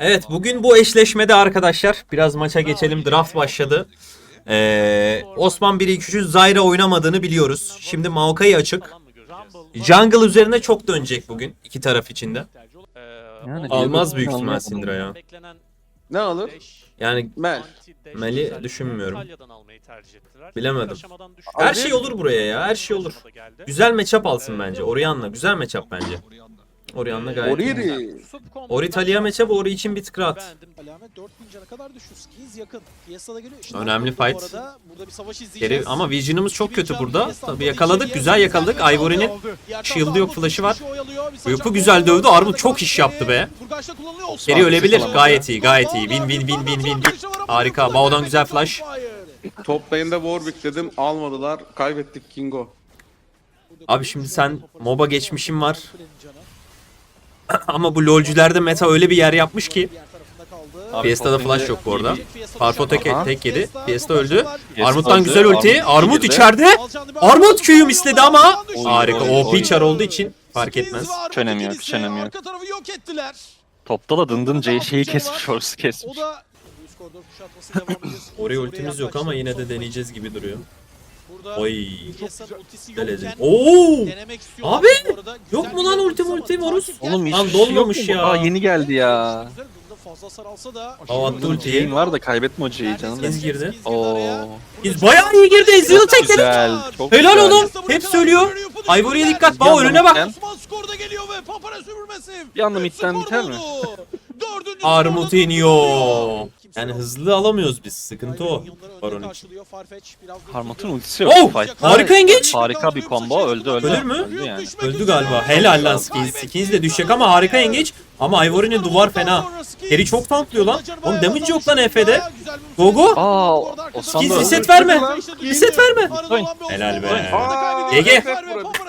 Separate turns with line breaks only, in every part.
Evet, bugün bu eşleşmede arkadaşlar biraz maça geçelim. Draft başladı. Osman 1-2-3'ün Zyra oynamadığını biliyoruz. Şimdi Maokai açık. Jungle üzerine çok dönecek bugün iki taraf içinde.
Yani
Almaz büyük ihtimal
anlayamadım.
Syndra ya.
Ne alır?
Yani
Mel.
Mel'i düşünmüyorum. Bilemedim.
Abi-
Her şey olur buraya ya, her şey olur. Güzel matchup alsın bence. Orianna güzel matchup bence. Orianna gayet iyi.
Oriri.
Ori Talia matchup Ori için bir tık rahat.
Alamet 4000 cana kadar düştü. Skills yakın. Fiesta da geliyor. İşte
Önemli
bu
fight.
arada burada bir savaş izleyeceğiz.
Geri, ama Vision'ımız çok kötü burada. Tabii yakaladık, güzel yakaladık. Ivory'nin shield'ı yok, flash'ı var. Uyupu güzel dövdü. Armut çok iş yaptı be. Geri ölebilir. Gayet iyi, gayet iyi. Win. Harika. Bao'dan güzel flash.
Top lane'de Warwick dedim almadılar. Kaybettik Kingo.
Abi şimdi sen MOBA geçmişin var. Ama bu LoL'cülerde meta öyle bir yer yapmış ki.
Abi,
Fiesta'da
top
flash
lane'de
yok bu arada.
iyi
Farfo
Aha.
tek yedi. Fiesta öldü.
Fiesta
Armut'tan
öldü.
güzel ulti.
Armut
Armut
girdi.
içeride. Armut Q'yu misledi ama.
Oy,
Harika.
oy,
OP
oy.
char olduğu için fark etmez.
Hiç önemi yok, hiç önemi yok.
Arka tarafı yok ettiler.
Topta da dındın
Orada
şeyi
altı
kesmiş,
var.
orası kesmiş.
O da üst koridor kuşatması devam ediyor.
Oraya
Oraya
ultimiz yok
yaklaştı.
ama yine de
Son
deneyeceğiz gibi duruyor.
Burada
Oy.
Fiesta'nın ultisi
Güzel
yokken
edin. Oo!
denemek istiyorlar.
Abi!
Bu arada
Yok
güzel
mu
bir
lan
gol
ultim,
ama
ultim Horus?
takip
Oğlum
gelmedi.
hiç
Lan dolmamış
yok mu?
ya.
Aa yeni geldi ya.
Güzel, bunda fazla saralsa da
Hava attı ultiyi.
Şeyin var da kaybetme o C'yi canım.
Biz girdi.
Oo.
Biz bayağı iyi girdi. Ezreal'ı tekledik.
Güzel, çok
Helal
güzel.
oğlum. Hep söylüyor. Ivory'e dikkat. Bao önüne bak.
Osman skorda geliyor ve Papara süpürmesi.
Bir anda
Üç
midden
skor
biter mi?
buldu. Dördüncü
Armut
skorda
iniyor.
durdu.
Yani hızlı alamıyoruz biz. Sıkıntı o.
Ivory'nin yılları
Baron
önde
için.
karşılıyor. Farfetch biraz da
Harmat'ın
sürdü.
ultisi yok.
Oh!
Fight'ta.
Harika engage.
Harika bir combo. Öldü.
Ölür mü?
Öldü yani.
Öldü galiba. Helal lan Skins. Skins de düşecek ama harika engage. Ama Ivory'nin duvar fena. Harry çok tanklıyor lan. Oğlum damage yok lan EF'de. Gogo.
Aa, Osman
Skins
da öldü.
reset verme. Reset verme.
Oyun.
Helal be.
GG.
GG.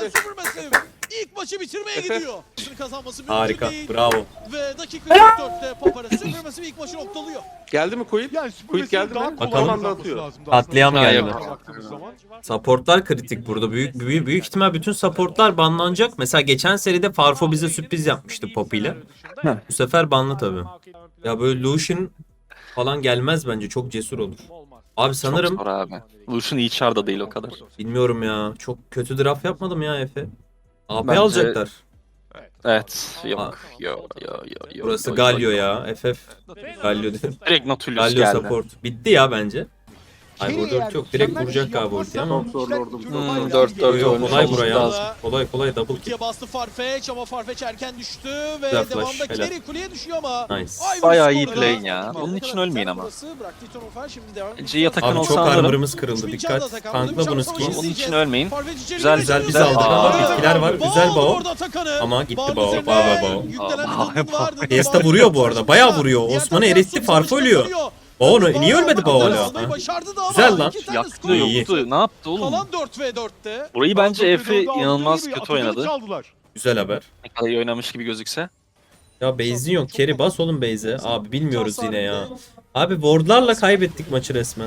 İlk maçı bitirmeye gidiyor. Kazanması mümkün
Harika.
değil.
Bravo.
Ve dakika 44'te Papara süpürmesi ilk maçı noktalıyor.
Geldi mi Quid?
Yani
Quid geldi mi?
Bakalım.
Son anda atıyor.
Katliam
Ha,
geldi.
yok.
Supportlar kritik burada. Büyük ihtimal bütün supportlar banlanacak. Mesela geçen seride Farfo bize sürpriz yapmıştı Pop ile. Bu sefer banlı tabii. Ya böyle Lucian falan gelmez bence. Çok cesur olur. Abi sanırım
Çok zor abi. Lucian iyi char da değil o kadar.
bilmiyorum ya. Çok kötü draft yapmadım ya Efe. AP
Bence-
alacaklar.
Evet.
Aa.
Yok.
Burası Galio ya. FF. Galio değil.
Direkt Nautilus
Galio
geldi.
support. Bitti ya bence. Ay burada ulti yok. Direkt vuracak galiba ulti ama.
Çok zorlordum.
4-4
Yok
olmuş
kolay
olması
buraya.
lazım.
Kolay double kill.
Ultiye bastı Farfetch ama Farfetch erken düştü ve
Güzel flash,
devamında
helal.
Kerry kuleye düşüyor ama
Nice.
Ivory
Bayağı iyi
skorda.
play ya. Onun için ölmeyin ama.
Burası bıraktı Tonofar, şimdi devam.
C'ye takın
Abi
olsa
çok
alırım.
armor'ımız kırıldı. Dikkat. Tankla bunu skills.
Onun için ölmeyin.
Farfetch içeri
Güzel,
girdi.
güzel, biz aldık
ama
bitkiler var. Güzel Bao.
Orada Atakan'ı.
Ama gitti
Bağın
Bao.
üzerine
Bao.
yüklenen
Aa,
bir durum vardı.
Fiesta
Bao
vuruyor bu arada.
çok
Bayağı
fazla.
vuruyor.
Diğer
Osman'ı
taraftan
eritti.
Sup
Farfo
savaşı
ölüyor.
kazanıyor.
Bao
Bao
niye ölmedi Bao
almayı
hala?
başardı da ama
Güzel lan.
iki tane
Yaktı
skor
İyi.
yoktu. Ne yaptı oğlum?
Kalan 4v4'te.
Burayı bence Efe inanılmaz kötü oynadı.
Güzel haber.
Ne kadar iyi oynamış gibi gözükse.
Ya base'in yok. Kerry bas oğlum base'e. Abi bilmiyoruz yine ya. Abi wardlarla kaybettik maçı resmen.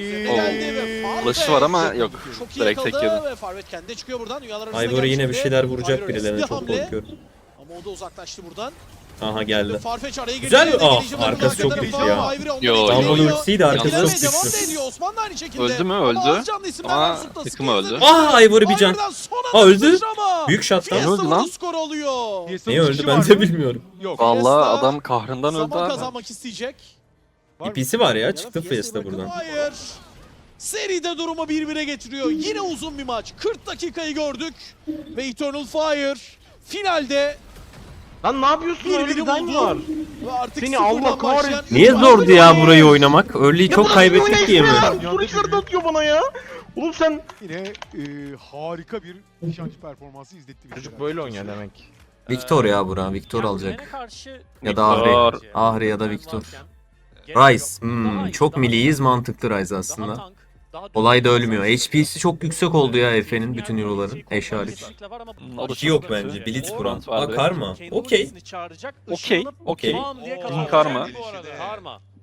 Flash'ı var ama yok.
Çok iyi
Direkt tek
yakaladı
yedi.
ve Farvet kendi çıkıyor buradan. Dünyalar arasında
Ivory yine bir
gelmiş
şeyler
şimdi.
vuracak
Ivory
birilerine
riskli
çok
hamle.
korkuyorum.
Ama o da uzaklaştı buradan.
Aha geldi.
Farfetch araya girdi.
Güzel.
Yerine
Ah,
gelişi var.
arkası
Arka
çok
tarafa
güçlü ya.
Ivory ondan
Yo,
geçiyor.
Dumble
yo.
ultisiydi arkası
Yalnız
çok
devam
güçlü.
ediyor. Osman da aynı şekilde.
Öldü mü?
Ama
Öldü.
az canlı isimler
Ama
var. Sutta
takımı öldü.
Ah Ivory bir can.
Ivory'den son
Aa,
anda
öldü.
sıçrama.
Büyük shot'tan.
Fiesta
Öldü lan.
vurdu, skor alıyor.
Niye öldü ben de bilmiyorum.
Yok.
Vallahi
Fiesta
adam kahrından öldü
Zaman
abi.
kazanmak isteyecek.
İpisi var ya.
Ya da
Çıktı
Fiesta'yı
Fiesta
bırakın.
buradan.
Hayır. Seride durumu 1-1'e getiriyor. Yine uzun bir maç. 40 dakikayı gördük. Ve Eternal Fire finalde
Lan ne yapıyorsun? Öyle
birbirini
bir design
buldu.
var.
Ve artık
Seni
sıfırdan
Allah kahretsin.
başlayan-
Niye zordu ya burayı oynamak? Early'yi çok kaybettik diye mi?
Soru işareti atıyor bana ya. Oğlum sen... Yine harika bir nişancı performansı izletti bize.
Çocuk böyle oynuyor demek.
Victor ya bura. Victor alacak. Ya da
Victor.
Ahri. Ahri ya da Victor. Rice. Çok milliyiz. Mantıklı Rice aslında. Kolay da ölmüyor. HP'si çok yüksek oldu ya Efe'nin bütün hero'ların. Eş hariç.
O da
İşi yok
çok
bence.
kötü.
Blitz kuran.
Vardı.
Aa karma. Okey.
Okey.
Okey.
Karma.
Bu arada. Karma.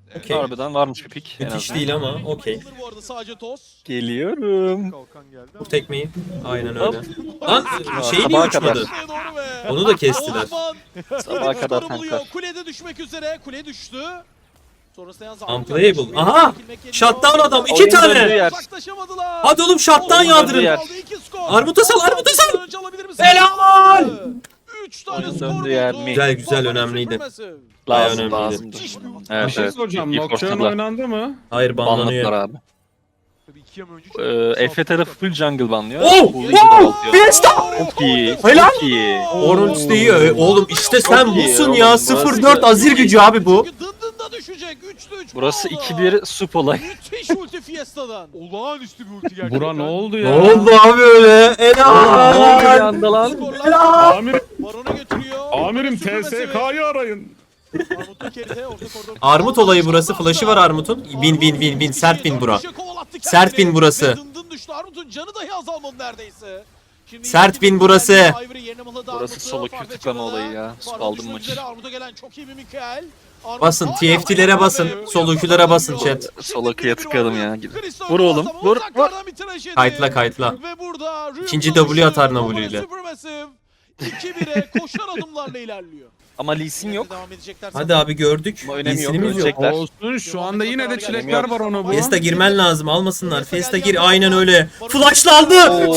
Okey.
Harbiden varmış bir pik. en
Müthiş
azından.
değil ama okey.
Bu arada sadece toz.
Geliyorum.
Kalkan geldi.
Bu tekmeyi. Aynen öyle. Lan şey niye
Sabaha kadar.
uçmadı?
Şuraya doğru ve
Onu da kestiler.
Osman
Sabaha kadar
skoru buluyor.
tanklar.
Kulede düşmek üzere. Kule düştü. Sonrasında yalnız
Unplayable. Aha! Shutdown adam. 2
Oyun döndüğü
tane.
yer.
Uzaklaşamadılar.
Hadi oğlum shutdown
Oyun döndüğü
yağdırın.
yer.
Armut'a sal, Armut'a sal.
Önce alabilir misin?
Helal!
3 tane
Oyun
skor
döndüğü yer
buldu.
mi?
Güzel, güzel,
Bakalım
önemliydi.
Supermassive.
Bayağı
Lazım
önemliydi.
lazımdı.
Bir
Evet
şey
evet.
soracağım.
İyi
Nocturne
forçladılar.
oynandı mı?
Hayır
Banladılar
banlanıyor.
abi.
Tabii 2 yıl önce.
Efe tarafı full jungle banlıyor.
Oh!
Full
Wow!
atıyor.
Fiesta!
Çok iyi.
Helal!
Çok iyi.
Orange de iyi. Oğlum işte sen
Çok iyi
busun
oğlum,
ya.
burası
0-4 azir gücü abi bu.
Çünkü dındında düşecek. 3'te 3
Burası 2-1 sup olay.
Müthiş ulti Fiesta'dan.
Olağanüstü bir ulti gerçekten.
Bura ne oldu
Ne
ya?
oldu abi öyle?
Bir
Helal!
anda lan.
Skorlar
Amirim,
Baron'a götürüyor.
amirim
Supermassive.
TSK'yı arayın.
Armut'un kerite, orta koridor.
Armut olayı burası. Flash'ı var Armut'un. Bin. Sert bin bura. Sert bin burası.
Ve dındın düştü. Armut'un canı dahi azalmadı neredeyse. Şimdi
Sert bin burası.
Ivory yerine mıhladı
Burası
Armut'u.
solo Q
Farfetch
tıklama
arada.
olayı ya.
Farfetch
Aldım
düşmek
maçı.
üzere. Armut'a gelen çok iyi bir Mikael. Armut
Basın.
hala
TFT'lere
ayağa
basın.
kalkıyor.
Sol Q'lara basın chat.
Solo Q'ya tıkladım ya.
Cristo
Vur oğlum,
Muazzam
vur,
uzaklardan bir tıraş yedi.
Kayıtla.
Ve burada Ryu
İkinci
konuştu.
W atar
Ama
W ile.
Supermassive 2-1'e koşar adımlarla ilerliyor.
Ama Lee Sin yok.
Devam edecekler.
Hadi abi gördük.
Ama önemi yok.
İyisiniz yok.
Ölecekler.
Olsun şu anda yine de çilekler var ona bu.
Fiesta girmen lazım. Almasınlar. Fiesta gir. Aynen öyle. Flashlandı.
Oo.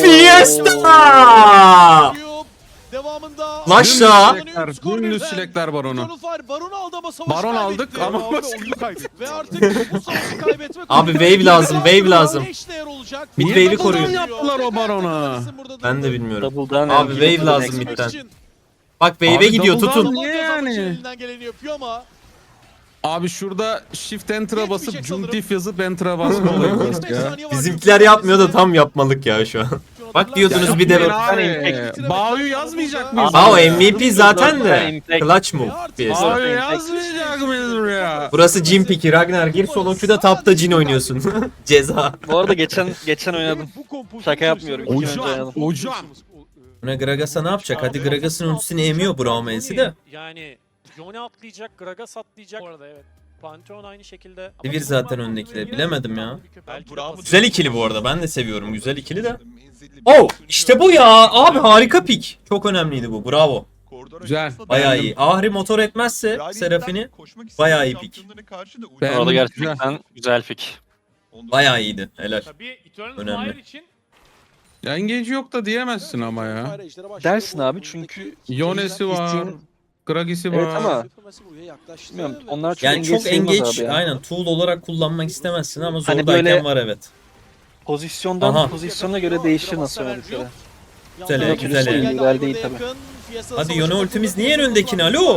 Fiesta!
Devamında
Flashla.
Dümdüz çilekler var ona.
Baron aldı ama savaşı
Baron aldık
kaybetti.
ama
Oyunu kaybetti.
Ve artık bu savaşı kaybetmek
Abi wave lazım, wave lazım. Mid
Niye
wave'i
double'dan
koruyun.
yaptılar o barona?
Ben de bilmiyorum.
Double'dan
Abi
MVP
wave lazım
next
midden.
match.
Bak wave'e
Abi
gidiyor
double'dan-
tutun.
Niye yani?
Elinden geleni yapıyor ama
Abi şurada shift enter'a
Yetmeyecek
basıp
sanırım.
jump diff yazıp enter'a basma olayı var
15
ya.
saniye var.
Bizimkiler yapmıyor da tam yapmalık ya şu an. Bak diyordunuz bir de
Abi, Bao'yu yazmayacak mıyız?
Aa o MVP zaten de.
Impact.
Clutch move. Fiesta.
Bao'yu yazmayacak mıyız buraya?
Burası Jin piki. Ragnar gir solo queue'da tapta Jin oynuyorsun. Ceza.
Bu arada geçen oynadım.
Bu kompozisyon
Şaka yapmıyorum. İki gün önce
Hocam,
oynadım.
hocam.
Buna Gragas'a ne yapacak? Hadi Gragas'ın ultisini emiyor Brahma'yı de.
Yani Yone atlayacak, Gragas atlayacak. Bu arada evet. Pantheon aynı şekilde.
Sivir zaten öndekiler. Bilemedim ya.
Belki de
Güzel ikili bu arada. Ben de seviyorum güzel ikili de. Oh işte bu ya. Abi harika pik. Çok önemliydi bu. Bravo.
Güzel.
Bayağı iyi. Ahri motor etmezse Seraphini bayağı iyi pik.
Ben-
Orada gerçekten güzel pik.
bayağı iyiydi. Helal.
Tabii Eternal
Önemli.
Fire için
Ya engage yok da diyemezsin ama ya.
Dersin abi çünkü
Yone'si var. Gragis'i var.
Evet ama bilmiyorum, onlar çok
Yani çok
sayılmaz
engage
abi ya.
aynen tool olarak kullanmak istemezsin ama
Hani
zordayken
böyle-
var evet.
Pozisyondan
Aha.
pozisyona göre değişir nasıl oynadıkları.
Güzel, güzel.
Güzel değil tabii.
Hadi Yone ultimiz niye en öndekini? Alo?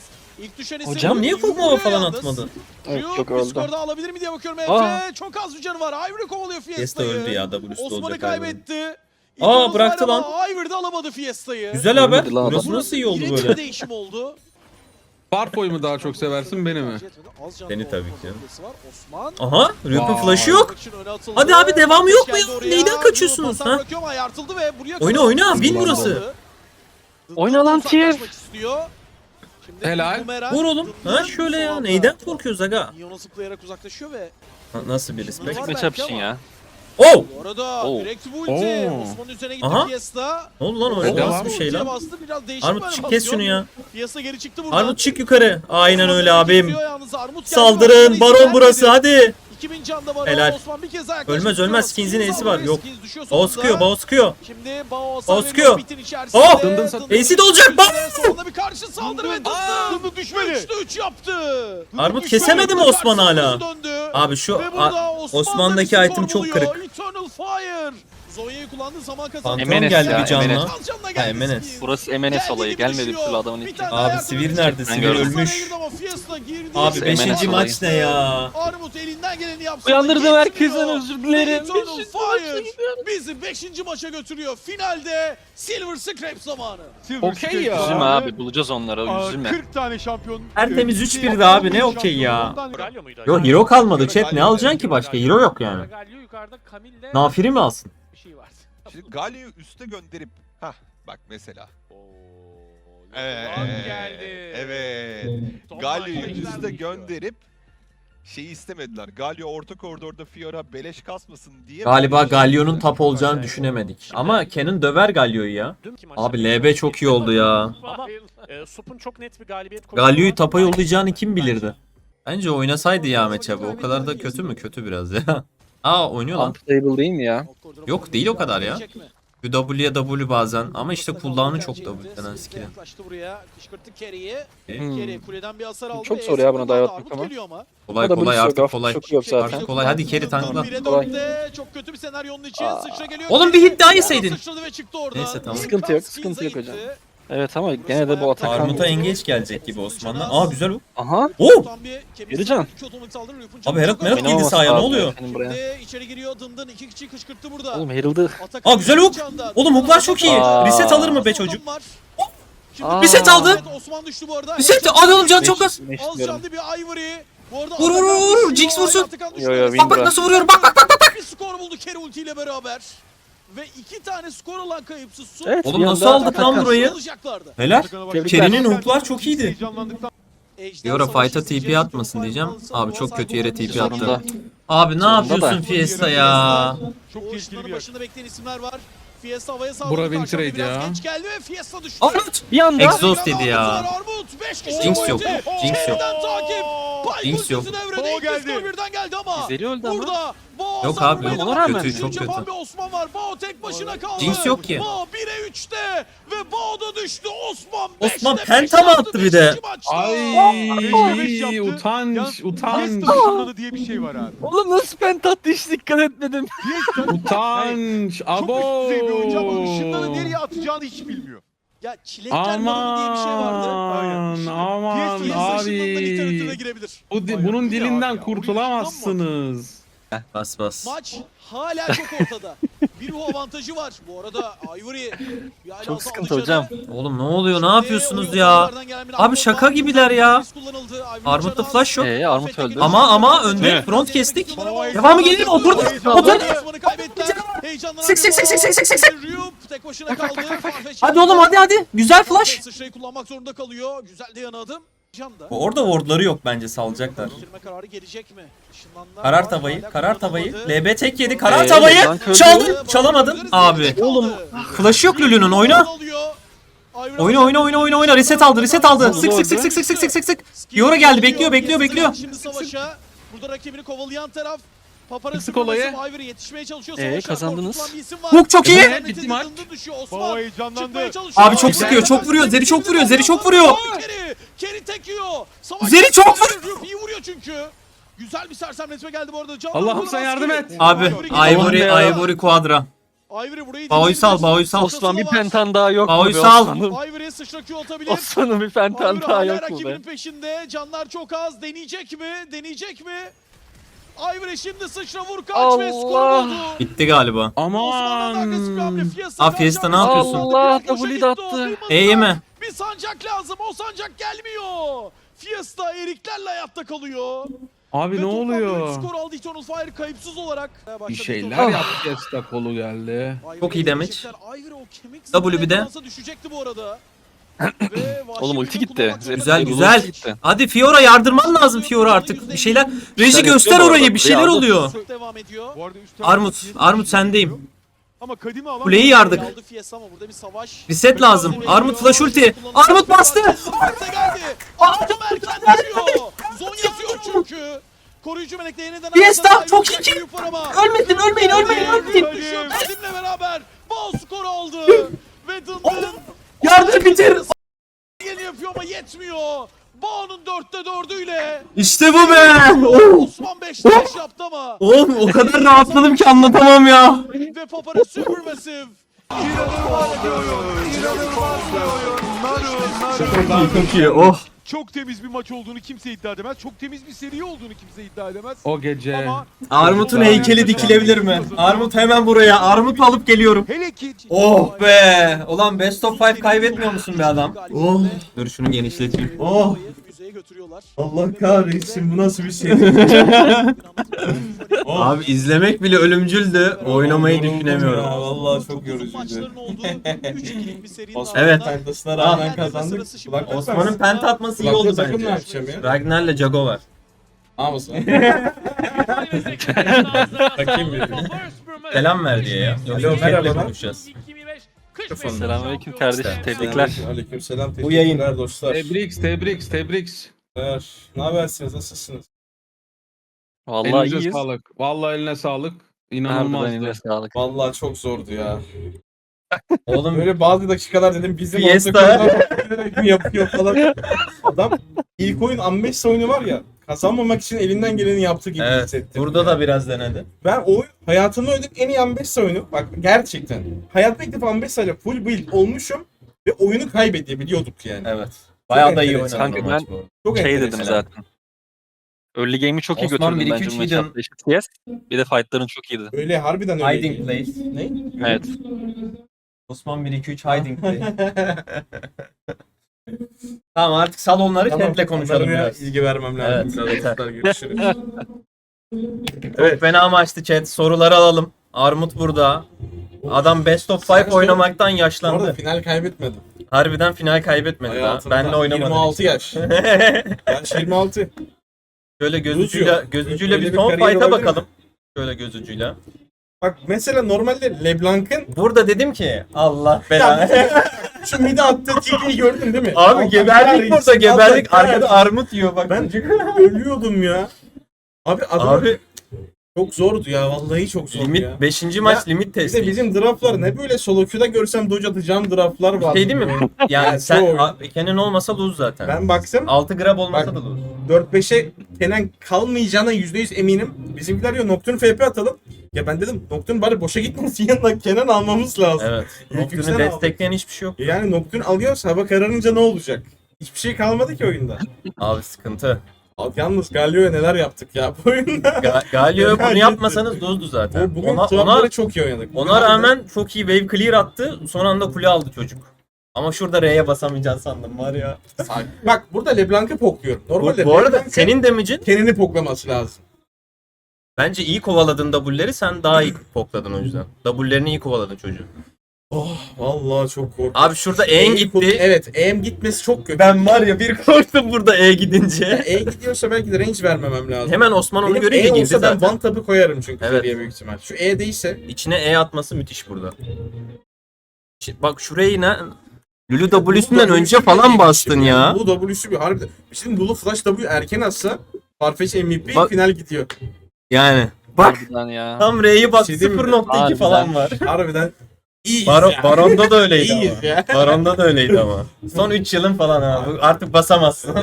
Hocam niye kokmava falan atmadı?
Evet, çok
bir
oldu.
skor daha alabilir mi diye bakıyorum
Aa.
Efe. Çok az bir canı var. Ivory kovalıyor
Fiesta
Fiesta'yı.
öldü ya W'su
Osman'ı
olacak galiba.
kaybetti.
Aa,
İtiraz
bıraktı
var ama Ivory de alamadı Fiesta'yı.
Güzel haber.
Ölmedi lan
Burası
adam.
nasıl iyi oldu
Yine bir
böyle?
değişim oldu.
Farfo'yu mu daha çok seversin beni mi?
Seni tabii ki.
Osman.
Aha Rüyap'ın
Vay.
flash'ı yok. Hadi abi, devamı yok mu ya? Neyden kaçıyorsunuz, ha? Oyna, oyna, bin burası.
Oyna lan Tier.
Helal.
Vur oğlum. Ha şöyle ya. Neyden korkuyoruz aga?
Yona zıplayarak uzaklaşıyor ve
Nasıl bir respect?
Tek match için ya.
Oh!
bu arada
Oo.
direkt bu ulti.
Oo.
Osman'ın üzerine gitti
Aha.
Fiesta.
Ne oldu lan öyle?
Devam.
Nasıl bir şey lan?
Bastı, biraz değişik
Armut
bir
çık kes şunu ya.
Fiesta geri çıktı buradan.
Armut çık yukarı. Aynen
Osman
öyle
direkt
abim.
gidiyor yalnız. Armut geldi,
Saldırın.
Osman'a
Baron
izin
burası
vermedi.
hadi.
2000 canda Baron.
Helal.
Osman bir kez daha yaklaşık
Ölmez, ölmez.
tutuyor.
Skins'in
Skins
Ace'i var.
aldı.
Yok.
Skins düşüyor
Bao
sonunda.
sıkıyor, Bao sıkıyor.
Şimdi Bao
Bao
Sarı'nın
sıkıyor.
bitin içerisinde.
Oh!
Dındın
Ace'i de olacak, Bao!
Sonunda bir karşı saldırı ve Dındın düşmedi. 3'te 3 yaptı.
Armut
Düşmedi.
kesemedi mi
Karşı
Osman hala?
döndü.
Abi şu
Ve burada Osman'da
Osman'daki
bir
item
skor
çok
buluyor.
kırık.
Eternal Fire. Zonya'yı kullandı, zaman kazandı.
Pantheon
Emenes
geldi
ya,
bir canla.
Emenes.
Kalcanla geldi
Emenes.
Skins.
Burası Emenes
Geldi
olayı.
gibi
Gelmedi bir
düşüyor.
türlü adamın
Bir
ilk.
tane
Abi
daha
Sivir
yardım
nerede?
edecek.
Sivir
gördüm.
ölmüş.
Ama Fiesta girdi.
Abi
Emenes
5.
olayı.
maç ne ya?
Armut elinden geleni yapsa
Uyandırdım
da
herkesten,
yetmiyor.
özür dilerim.
Eternal
Beşinci
Fire bizi 5. maça götürüyor. Finalde Silver Scrap zamanı.
Okey ya.
Üzülme abi, bulacağız onları, üzülme.
40 tane şampiyon.
Tertemiz 3-1'di abi, ne okey ya?
Galio muydu?
Yo hero kalmadı chat, ne alacaksın ki başka? Hero yok yani.
Galio yukarıda Camille'le
Nafiri mi alsın?
bir şey var.
Şimdi Galio'yu üste gönderip bak mesela.
Evet. Geldi.
Evet.
Son
Galio'yu
maçta
üste
izlendik.
gönderip şeyi istemediler. Galio orta koridorda Fiora beleş kasmasın diye.
Galiba Galio'nun tap olacağını düşünemedik. Ama Kenan döver Galio'yu ya. Abi LB çok iyi oldu ya.
Ama Sup'un çok net bir galibiyet
Galio'yu tapa yollayacağını kim bilirdi? Bence oynasaydı ya matchup'ı. O kadar da kötü mü? Kötü biraz ya. Aa oynuyor lan.
Unplayable değil mi ya?
Yok, değil o kadar ya. W'ye W bazen ama işte cooldown'u çok W denen skill'in.
Yaklaştı buraya. Kışkırttı Kerry'i.
Hmm.
Kerry kuleden bir hasar aldı.
Çok zor ya buna dive atmak
Armut
ama.
geliyor ama.
Kolay
O da
kolay
Blitz
artık
yok,
kolay.
çok yok zaten.
Artık kolay. Hadi carry tankla.
1'e
Kolay.
4'te çok kötü bir senaryonun için sıçra geliyor.
Oğlum bir hit daha yeseydin.
Sıçradı ve çıktı orada.
Neyse, tamam.
Sıkıntı yok, sıkıntı yok hocam. Evet ama gene de bu atak.
Armut'a engage gelecek gibi Osman'la. Aa güzel o.
Aha.
Oo!
Yürücan.
Abi Herald Merald girdi sahaya, ne oluyor?
Benim buraya.
Şimdi içeri giriyor Dındın 2 kişiyi kışkırttı burada.
Oğlum Herald'ı.
Aa güzel hook. Oğlum hooklar çok iyi.
Aa.
Reset alır mı be çocuk?
Aa.
Reset aldı.
Osman düştü bu arada.
Reset. Hadi oğlum can çok az.
Az canlı bir Ivory. Bu arada
Vur, vur,
Atakan
vur, vur.
düşüyor,
Jinx vursun.
Atakan düştü.
Yo, yo,
Bak bak
Windra.
nasıl vuruyorum. Bak bak bak.
Bir skor buldu Kerry ultiyle beraber. Ve 2 tane skor olan kayıpsız Su.
Evet,
Oğlum
bir
nasıl
anda
aldık lan
atak-
burayı?
Alacaklardı.
Helal.
Tebrikler.
Kerry'nin hooklar çok iyiydi.
Heyecanlandıktan
Fiora fight'a TP atmasın diyeceğim. Abi çok kötü yere TP attı.
Zorunda.
Abi ne
Zorunda
yapıyorsun
da.
Fiesta ya?
çok
O
tehlikeli
ışınların
bir yer.
başında bekleyen isimler var. Fiesta havaya saldırdı.
Bura win
Karşıdan
trade
biraz
ya.
Geç geldi ve Fiesta düştü.
Armut.
Bir anda.
Exhaust dedi ya.
Armut 5 kişi
Jinx yok.
ulti.
Jinx yok.
Yeniden takip. Pike
Jinx
ultisi
yok.
devrede.
Bo
İlk
geldi.
skor birden geldi ama.
İzleri öldü ama.
Burada Bo
Yok
hasar
abi,
vurmayı
yok.
devam
Kötü,
ediyor.
çok
Üçüncü
kötü.
yapan bir Osman var. Bo tek başına kaldı.
Jinx yok ki.
Bo 1'e 3'te ve Bo da düştü. Osman
Osman
5'te
penta
5
mı
yaptı
attı bir de?
5. maçta.
Ay
yaptı.
utanç
Yalnız
utanç.
Fiesta ışınlanı diye bir şey var abi.
Oğlum nasıl pent attı hiç dikkat etmedim.
Fiesta
Utanç.
çok
Abo.
üst düzey bir oyuncu ama ışınlanı nereye atacağını hiç bilmiyor.
Ya çilekler yorumu diye bir şey vardı.
Aman aman
Fiesta ışınlanından literatüre
abi.
girebilir.
Bunun
Bu ne
dilinden
abi ya?
kurtulamazsınız.
Bas bas.
Maç hala çok ortada. Bir bu avantajı var. Bu arada Ivory bir hala
Çok
aldı
sıkıntı
canı.
hocam.
Oğlum ne oluyor? Ne
Şimdi
yapıyorsunuz
oyun
ya?
oyunculardan gelen bir
Abi
bomba.
şaka gibiler ya.
Risk kullanıldı. Ivory
Armut'ta
içeriden
flash yok.
Armut öldü.
Ama önde front kestik. Devamı gelir mi? Oturdu. Oturdu.
Osman'ı kaybettiler. Heyecanlanan
Sık, sık, sık, sık, sık, sık, sık, sık.
Ryup tek başına kaldı. Farfetch
Hadi oğlum hadi hadi. Güzel flash.
Sıçrayı kullanmak zorunda kalıyor. Güzel de yanadım. Canda.
Orada wardları yok bence, salacaklar.
Bitirme kararı gelecek mi? Işınlanlar
Karar
var,
tavayı,
hala
karar tavayı.
kullanılmadı.
LB tek yedi. Karar
Ee,
tavayı.
Bank öldü.
Çaldın. Çalamadın. Abi.
Oğlum.
Flash yok Lulu'nun, oyna. Oyna. Reset aldı. Sık sık sık sık sık sık sık sık sık. Fiora geldi. Bekliyor.
Şimdi savaşa. Burada rakibini kovalayan taraf. Paparazzi
Sık olayı.
Ivory yetişmeye çalışıyor.
kazandınız.
Hook çok iyi.
Evet, bitti maç.
Baba heyecanlandı.
Abi çok sıkıyor, çok vuruyor. Zeri çok vuruyor.
Keri tek yiyor.
Zeri çok vuruyor.
İyi vuruyor çünkü. Güzel bir sersemletme geldi bu arada. Can
Allah'ım
Vurmaz
sen yardım
gibi.
et.
Abi Ivory Quadra.
Ivory burayı
Bao'yu sal.
Osman bir pentan daha yok mu
Bao'yu
be
sal.
Osman'ım?
Ivory'e sıçra Q atabilir.
Osman'ın bir pentan
Ivory
daha
hala
yok mu
rakibinin
be?
peşinde. Canlar çok az. Deneyecek mi? Ivory şimdi sıçra vur kaç
Allah.
ve skor buldu.
Bitti galiba.
Osman'dan agresif bir hamle.
Aman.
Abi Fiesta ne yapıyorsun?
Allah,
Boşa
W
gitti
de
o,
attı.
duymadılar.
E'ye mi?
Bir sancak lazım. O sancak gelmiyor. Fiesta eriklerle hayatta kalıyor.
Abi
Ve
ne
toplamda üç
oluyor?
skor aldı Eternal Fire kayıpsız olarak.
Bir
Başladı
şeyler
Eternal
yaptı Fiesta, kolu geldi.
Fire.
Çok iyi damage.
Ivory o kemik
W bir de.
zırhına düşecekti bu arada. Ve vahşi
Oğlum ulti
gücü
gitti.
kullanmak zorunda
Güzel,
kaldı.
güzel.
Ulti gitti.
Hadi Fiora yardırman lazım Fiora artık. Bir şeyler. Reji
Sen
göster
yapıyor bu
orayı.
arada.
Bir şeyler
Aldı.
oluyor.
Devam ediyor.
Bu arada üst tarafta
Armut
Fiesta
sendeyim.
Ama kadimi alan
Kuleyi yardık.
Aldı Fiesta ama burada bir savaş.
Reset lazım. Armut flash ulti. Armut bastı.
Geldi. Armut erken düşüyor. Zon yazıyor çünkü. Koruyucu melekle yeniden
Fiesta,
arasında
çok
ayrılacak
iyi.
bir yük var ama.
Ölmeyin.
Düşüyor. Kadimle beraber bal skoru aldı. Ve Dındın
Yardır bitir.
yeni yapıyor ama yetmiyor. Bağ'ın 4'te 4'üyle
İşte bu be. Oh.
Osman 5'te 5 yaptı ama.
Oğlum o kadar rahatladım ki anlatamam ya.
Ve Papara Supermassive.
Çok iyi. Oh.
çok temiz bir maç olduğunu kimse iddia edemez. Çok temiz bir seri olduğunu kimse iddia edemez.
O gece.
Ama
Armut'un heykeli dikilebilir mi? Armut hemen buraya. Armut alıp geliyorum.
hele ki
Oh be. Ulan best of 5 kaybetmiyor musun be adam? Oh. Dur şunu genişleteyim. Oh.
Müzeye götürüyorlar.
Allah kahretsin, bu nasıl bir şey? Abi izlemek bile ölümcüldü. Oynamayı düşünemiyorum.
Vallahi çok yorucuydu.
Maçların olduğu 3-2'lik bir serinin
Osman'ın
Evet.
pentasına rağmen
Aa.
kazandık. Bak
Osman'ın penta atması iyi oldu
takım ne
bence.
yapacağım ya?
Ragnar'la Jago var.
Hamza.
Bakayım bir.
Selam ver diye ya.
Alo,
Yoksa
merhaba.
chatle konuşacağız.
Selamünaleyküm kardeşim. Tebrikler.
Aleykümselam.
Bu yayın.
Teşekkürler dostlar.
Tebriks.
Ne habersiniz? Nasılsınız?
Vallahi
Elinize
iyiyiz.
sağlık. Vallahi eline sağlık.
Harbiden
İnanılmazdı.
eline sağlık.
Vallahi çok zordu ya.
Oğlum
Böyle bazı dakikalar dedim bizim
Fiesta.
ortak yapıyor falan. Adam ilk oyun Ambessa oyunu var ya, kazanmamak için elinden geleni yaptı gibi
evet,
hissettim.
burada da biraz denedi.
Ben o oyun hayatımda oynadığım en iyi Ambessa oyunu. Bak gerçekten. Hayatta ilk defa Ambessa ile full build olmuşum ve oyunu kaybedebiliyorduk yani.
Evet. Bayağı da iyi
enteresan.
oynadı
Kanka
o maç bu arada.
Çok
Şey
enteresan.
dedim zaten. Early game'i çok iyi
Osman
götürdüm
1-2-3
bence bu
hidden.
matchup'ta. Eşit CS. Bir de fight'ların çok iyiydi.
Öyle harbiden öyle.
Hiding place.
Ne?
Evet.
Osman 1-2-3 hiding place. Tamam artık salonları chatle konuşalım
onlara
biraz.
ilgi vermem lazım.
Evet,
Biraz
yeter.
dostlar, görüşürüz.
Çok fena maçtı chat. Soruları alalım. Armut burada. Adam best of 5 oynamaktan
Bu arada
yaşlandı.
final kaybetmedim.
Harbiden final kaybetmedi daha.
Hayatımda
Benle oynamadı.
26 yaş. Ben 26.
Şöyle gözücüyle
Öyle
bir
bir
son
kariyer
fight'a
olabilir
bakalım. Şöyle gözücüyle.
Bak mesela normalde LeBlanc'ın
Burada dedim ki Allah belanı.
şu mide attığı TP'yi gördün değil mi?
Abi
Allah
geberdik burada
kahretsin,
geberdik.
Allah
Arkada
kahretsin.
armut yiyor bak.
Ben ölüyordum ya. Abi adam
Abi
çok zordu ya. Vallahi çok zordu
limit
ya.
5. maç
Ya,
limit
Bir
testi.
de bizim draftlar ne böyle solo queue'da görsem dodge atacağım draftlar var.
Şey değil mi? Yani
Yani
sen
çoğu-
Kenan olmasa lose zaten.
Ben baksam
6 grab olmasa
Bak-
da lose.
4-5'e Kenan kalmayacağına %100 eminim. Bizimkiler diyor Nocturne FP atalım. Ya ben dedim Nocturne bari boşa gitmesin yanına Kenan almamız lazım.
Evet.
İlk
Nocturne'u
üçten
destekleyen hiçbir şey yok.
Yani Nocturne alıyoruz hava kararınca ne olacak? Hiçbir şey kalmadı ki oyunda.
Abi sıkıntı.
Yalnız Galio'ya neler yaptık ya bu oyunda.
Galio bunu
Bence-
yapmasanız lose'du zaten.
Bugün
Ona
swapları çok iyi oynadık. Bugün
ona
harbiden-
rağmen çok iyi wave clear attı. Son anda kule aldı çocuk. Ama şurada R'ye basamayacaksın sandım var ya.
Bak burada LeBlanc'ı pokluyorum. Normalde
Bu arada
LeBlanc'ın
senin damage'in
Kenan'ı poklaması lazım.
bence iyi kovaladın W'leri, sen daha iyi pokladın o yüzden. W'lerini iyi kovaladın çocuğun.
Oh vallahi çok korktum.
Abi şurada E'in gitti.
Evet, E'm gitmesi çok kötü.
Ben var ya bir korktum burada E gidince.
E gidiyorsa belki de range vermemem lazım.
Hemen Osman onu
Benim
görünce
E
girdi
olsa ben
zaten.
one tap'ı koyarım çünkü
Evet.
geriye büyük ihtimal. Şu E değilse
İçine E atması müthiş burada. Bak şurayı ne... Lulu W'sünden önce falan bastın ya.
Lulu W'su bir harbiden. Şimdi Lulu Flash W erken atsa Farfetch MVP
Bak-
final gidiyor.
Yani. Bak
Harbiden ya.
tam R'yi bak
Bir şey diyeyim mi?
0.2 falan var.
Harbiden iyiyiz ya.
Baron'da da öyleydi
İyiyiz
ama.
ya.
Baron'da da öyleydi ama. Son 3 yılın falan abi. Artık basamazsın.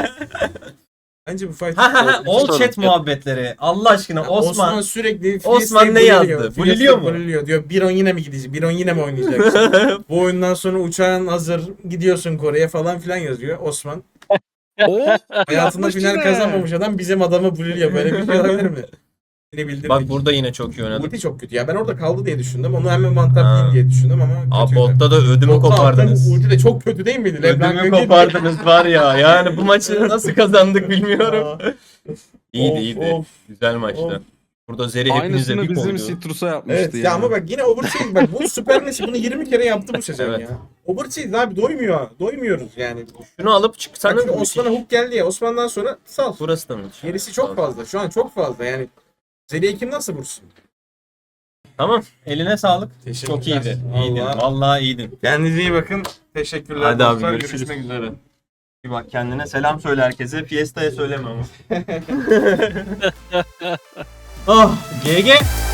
Bence bu fight.
Ha ha ha. All
Sorun.
chat muhabbetleri. Allah aşkına Osman.
sürekli
Osman ne yazdı? Buliliyor mu?
Buliliyor diyor. Biron yine mi gidecek? Biron yine mi oynayacaksın? Bu oyundan sonra uçağın hazır. Gidiyorsun Kore'ye falan filan yazıyor Osman. Hayatında
Yapmış
final
yine.
kazanmamış adam bizim adamı buliliyor. Böyle bir şey olabilir mi? Seni bildirdik.
Bak burada yine çok iyi oynadı.
Ulti çok kötü ya. Ben orada kaldı diye düşündüm. Onu hemen mantaplayayım diye düşündüm ama
Abi
kötüydü.
botta da ödümü
Botta
kopardınız.
attığım Ulti de çok kötü değil miydi? LeBlanc
Ödümü
öndeydi.
kopardınız var ya. Yani bu maçı nasıl kazandık bilmiyorum. İyiydi
Of,
iyiydi.
of.
Güzel maçtı.
Of.
Burada Zeri hepinize
Aynısını
bir
bizim
koydu.
Citrus'a yapmıştı
Evet ya ama bak yine Overseas bak bu Süper Nesi bunu 20 kere yaptı bu sezon
Evet.
ya. Overseas abi doymuyor. Doymuyoruz yani.
Şunu alıp
Bak
çıksanız
şimdi Osman'a hook geldi ya. Osman'dan sonra sal.
burası da müthiş.
Gerisi çok fazla. Şu an çok fazla yani. Zeli'ye kim nasıl vursun?
Tamam. Eline sağlık.
Teşekkürler.
Çok iyiydi. İyiydin.
Vallahi.
Vallahi iyiydin.
Kendinize iyi bakın. Teşekkürler.
Hadi abi,
dostlar.
görüşürüz.
Görüşmek üzere.
Bir bak kendine selam söyle herkese. Fiesta'ya söyleme ama. Oh GG.